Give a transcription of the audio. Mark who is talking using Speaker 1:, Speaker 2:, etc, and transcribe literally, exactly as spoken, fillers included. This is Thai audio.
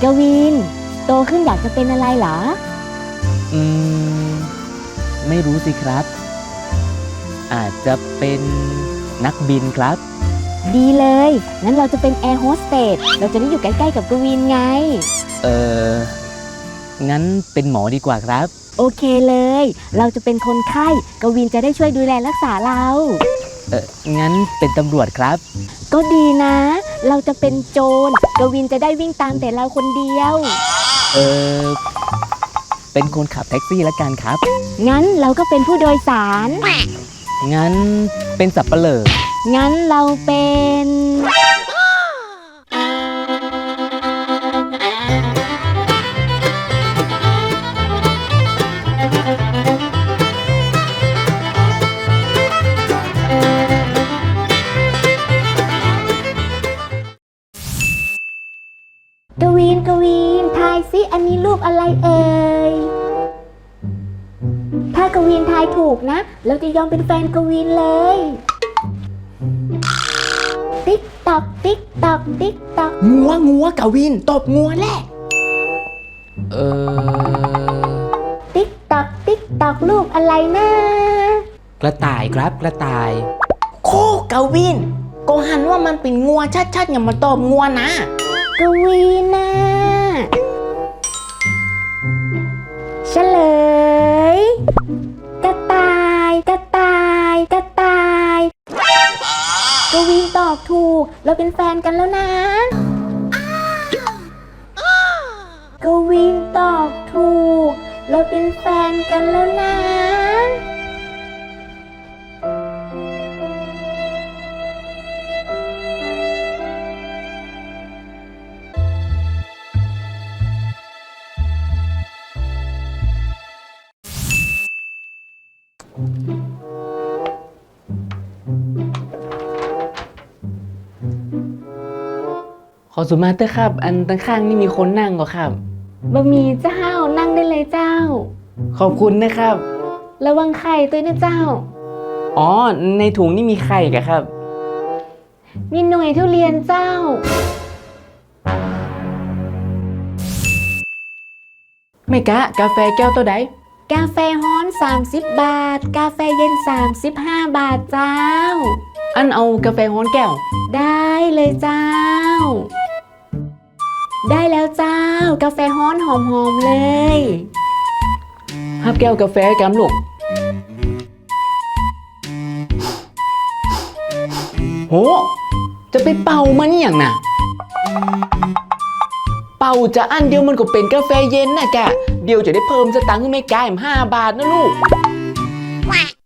Speaker 1: กวินโตขึ้นอยากจะเป็นอะไรเหรอ
Speaker 2: อืมไม่รู้สิครับ อาจจะเป็นนักบินครับ
Speaker 1: ดีเลยงั้นเราจะเป็นแอร์โฮสเตสเราจะได้อยู่ใกล้ๆกับกวินไง
Speaker 2: เอองั้นเป็นหมอดีกว่าครับ
Speaker 1: โอเคเลยเราจะเป็นคนไข้กวินจะได้ช่วยดูแลรักษาเรา
Speaker 2: เอองั้นเป็นตำรวจครับ
Speaker 1: ก็ดีนะเราจะเป็นโจรกวินจะได้วิ่งตามแต่เราคนเดียว
Speaker 2: เออเป็นคนขับแท็กซี่ละกันครับ
Speaker 1: งั้นเราก็เป็นผู้โดยสาร
Speaker 2: งั้นเป็นสับปะเหร่อ
Speaker 1: งั้นเราเป็นกวินกวินทายซิอันนี้รูปอะไรเอ่ยถ้ากวินทายถูกนะเราจะยอมเป็นแฟนกวินเลยติ๊กตอกติ๊กตอกติ๊กตอก
Speaker 3: งัวงัวกวินตบงัวแหละ
Speaker 2: เออ
Speaker 1: ติ๊กตอกติ๊กตอกรูปอะไรนะ
Speaker 3: กระต่ายครับกระต่ายโคกวินก็หันว่ามันเป็นงัวชัดๆอย่ามาตบงัวนะ
Speaker 1: กวินนะเฉลยกระต่ายกระต่ายกระต่ายกวินตอบถูกเราเป็นแฟนกันแล้วนะกวินตอบถูกเราเป็นแฟนกันแล้วนะ
Speaker 2: ขอสุมาเตอร์ครับอันตั้งข้างนี่มีคนนั่งก็ครับ
Speaker 1: บะหมี่เจ้านั่งได้เลยเจ้า
Speaker 2: ขอบคุณนะครับ
Speaker 1: ระวังไข่ตัวนะเจ้า
Speaker 2: อ๋อในถุงนี่มีไข่กะครับ
Speaker 1: มีหน่วยทุเรียนเจ้า
Speaker 3: ไม่กะกาแฟแก้วตัวใด
Speaker 1: กาแฟฮ้อนสามสิบบาทกาแฟเย็นสามสิบห้าบาทเจ้า
Speaker 3: อันเอากาแฟฮ้อนแก้ว
Speaker 1: ได้เลยเจ้าได้แล้วเจ้ากาแฟฮ้อนหอมๆเลย
Speaker 3: ฮับแก้วกาแฟกันลูกโหจะไปเป่ามันอย่างน่ะเป่าจะอันเดียวมันก็เป็นกาแฟเย็นน่ะแกเดี๋ยวจะได้เพิ่มสตังค์ให้ไม่ไกลห้าบาทนะลูก